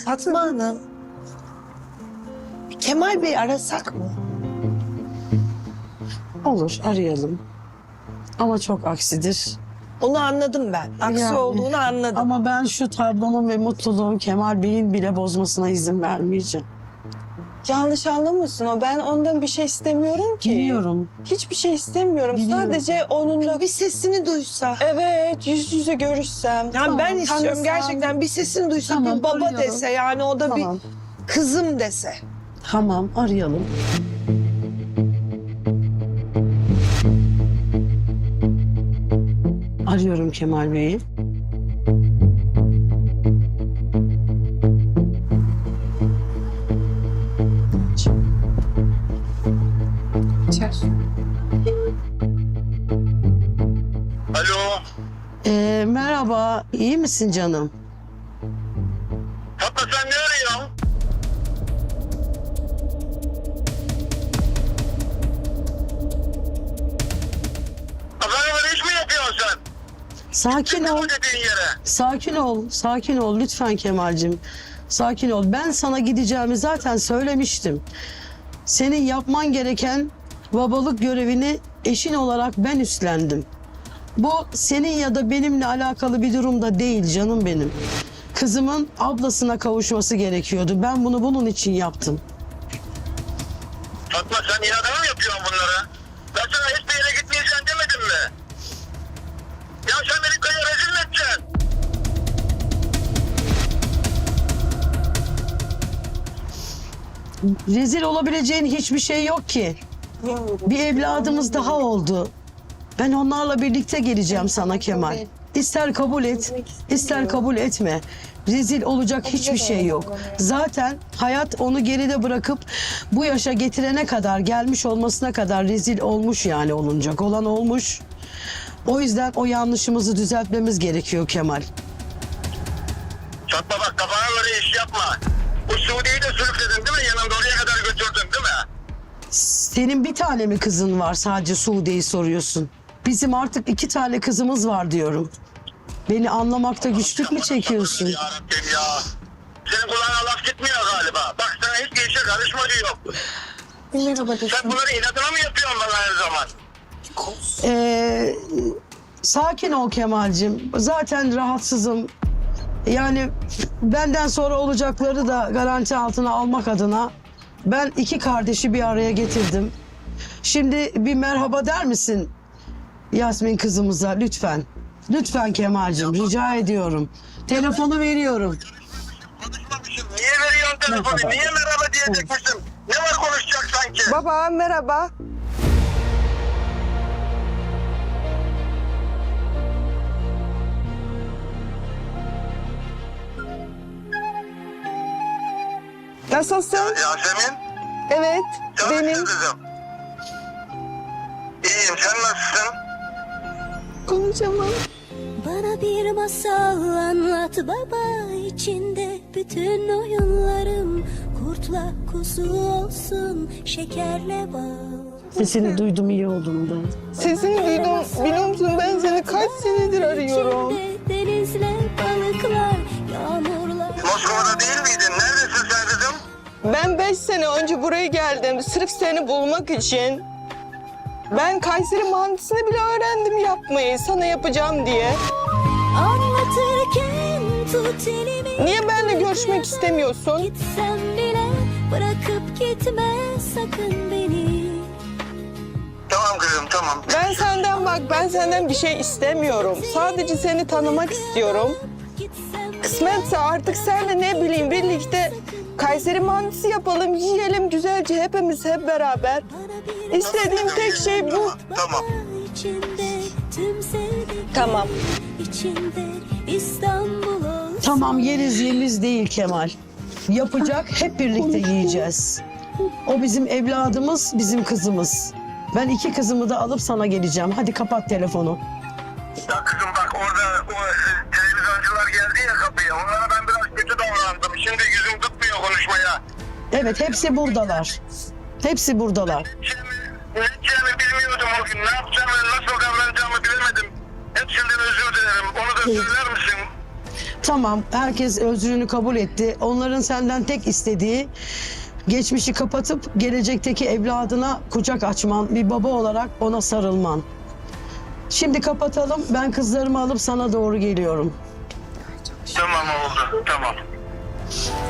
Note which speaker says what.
Speaker 1: Fatma Hanım. Kemal Bey arasak mı?
Speaker 2: Olur, arayalım. Ama çok aksidir.
Speaker 1: Onu anladım ben. Aksi
Speaker 2: Yani,
Speaker 1: olduğunu anladım.
Speaker 2: Ama ben şu tablonun ve mutluluğun Kemal Bey'in bile bozmasına izin vermeyeceğim.
Speaker 3: Yanlış anlamasın o. Ben ondan bir şey istemiyorum ki.
Speaker 2: Biliyorum.
Speaker 3: Hiçbir şey istemiyorum.
Speaker 2: Biliyorum.
Speaker 3: Sadece onunla
Speaker 1: Bir sesini duysa.
Speaker 3: evet yüz yüze görüşsem.
Speaker 1: Yani
Speaker 2: Tamam,
Speaker 1: ben istiyorum
Speaker 2: tanısam.
Speaker 1: gerçekten bir sesini duysa,
Speaker 2: Tamam,
Speaker 1: bir baba
Speaker 2: arıyorum.
Speaker 1: dese, yani o da
Speaker 2: Tamam.
Speaker 1: bir kızım dese.
Speaker 2: Tamam, arayalım. Arıyorum Kemal Bey'i.
Speaker 4: Alo.
Speaker 2: Merhaba, iyi misin canım?
Speaker 4: Fatma sen ne arıyorsun? Adamla iş mi yapıyorsun sen?
Speaker 2: Sakin ol.
Speaker 4: Bu dediğin yere.
Speaker 2: Sakin ol, sakin ol lütfen Kemal'cim. Sakin ol. Ben sana gideceğimi zaten söylemiştim. Senin yapman gereken babalık görevini eşin olarak ben üstlendim. Bu senin ya da benimle alakalı bir durum da değil canım benim. Kızımın ablasına kavuşması gerekiyordu. Ben bunu bunun için yaptım.
Speaker 4: Fatma sen inadına mı yapıyorsun bunları? Ben sana hiçbir yere gitmeyeceksin demedim mi? Ya sen beni köyü rezil mi edeceksin?
Speaker 2: Rezil olabileceğin hiçbir şey yok ki. Bir evladımız daha oldu. Ben onlarla birlikte geleceğim sana Kemal. İster kabul et, ister kabul etme. Rezil olacak hiçbir şey yok. Zaten hayat onu geride bırakıp bu yaşa getirene kadar, gelmiş olmasına kadar rezil olmuş, yani olunacak olan olmuş. O yüzden o yanlışımızı düzeltmemiz gerekiyor Kemal.
Speaker 4: Fatma bak kafana göre iş yapma. Bu Suudi'yi de sürükledin değil mi? Yanımda oraya kadar götürdün değil mi?
Speaker 2: Senin bir tane mi kızın var, sadece Suude'yi soruyorsun? Bizim artık 2 tane kızımız var diyorum. Beni anlamakta güçlük mü çekiyorsun?
Speaker 4: Ya Rabbim ya. Senin kulağına laf gitmiyor galiba. Bak sana hiçbir işe karışma diyor.
Speaker 3: Merhaba
Speaker 4: Sen bunları inadına mı yapıyorsun bana her zaman?
Speaker 2: Sakin ol Kemal'cim. Zaten rahatsızım. Yani benden sonra olacakları da garanti altına almak adına ben 2 kardeşi bir araya getirdim. Şimdi bir merhaba der misin Yasmin kızımıza lütfen? Lütfen Kemal'cim, rica ediyorum. Telefonu veriyorum.
Speaker 4: Konuşmamışım. Niye veriyorsun telefonu? Niye merhaba diyecekmişim? Ne var konuşacak sanki?
Speaker 3: Baba merhaba. Nasılsın?
Speaker 4: Yasemin.
Speaker 3: Evet,
Speaker 4: Nasılsın
Speaker 3: benim.
Speaker 4: kızım? İyiyim. Sen nasılsın?
Speaker 3: Konuşamam.
Speaker 5: Bana bir masal anlat baba, içinde bütün oyunlarım kurtla kuzu olsun, şekerle bal.
Speaker 2: Sesini duydum, iyi oldum ben.
Speaker 3: Sesini duydum. Biliyor musun ben seni kaç senedir arıyorum.
Speaker 5: İçinde denizler, balıklar, yağmurlar.
Speaker 4: Moskova'da değil miydin? Neredesin sen kızım?
Speaker 3: Ben 5 sene önce buraya geldim sırf seni bulmak için. Ben Kayseri mantısını bile öğrendim yapmayı sana yapacağım diye.
Speaker 5: Anlatırken tut elimi.
Speaker 3: Niye benimle görüşmek istemiyorsun?
Speaker 5: Gitsem bile bırakıp gitme sakın beni.
Speaker 4: Tamam kızım tamam.
Speaker 3: Ben senden bir şey istemiyorum. Sadece seni tanımak istiyorum.
Speaker 5: Gitsem
Speaker 3: Kısmetse artık senle ne bileyim birlikte Kayseri mantısı yapalım, yiyelim güzelce hepimiz hep beraber. İstediğim tek şey bu.
Speaker 4: Tamam.
Speaker 5: İçinde tüm sevdik.
Speaker 3: Tamam.
Speaker 5: İçinde İstanbul olsun.
Speaker 2: Tamam, yeriz yemiz değil Kemal. Yapacak, hep birlikte yiyeceğiz. O bizim evladımız, bizim kızımız. Ben 2 kızımı da alıp sana geleceğim. Hadi kapat telefonu.
Speaker 4: Ya kızım bak orada o televizyoncular geldi ya kapıya. Onlara ben biraz kötü davrandım. Şimdi yüzüm tutmuyor konuşmaya.
Speaker 2: Evet, hepsi buradalar. Hepsi buradalar.
Speaker 4: Ne edeceğimi bilmiyordum o gün. Ne yapacağımı, nasıl davranacağımı bilemedim. Hepsinden özür dilerim. Onu da söyler misin?
Speaker 2: Tamam, herkes özrünü kabul etti. Onların senden tek istediği geçmişi kapatıp gelecekteki evladına kucak açman, bir baba olarak ona sarılman. Şimdi kapatalım. Ben kızlarımı alıp sana doğru geliyorum.
Speaker 4: Tamam oldu. Tamam.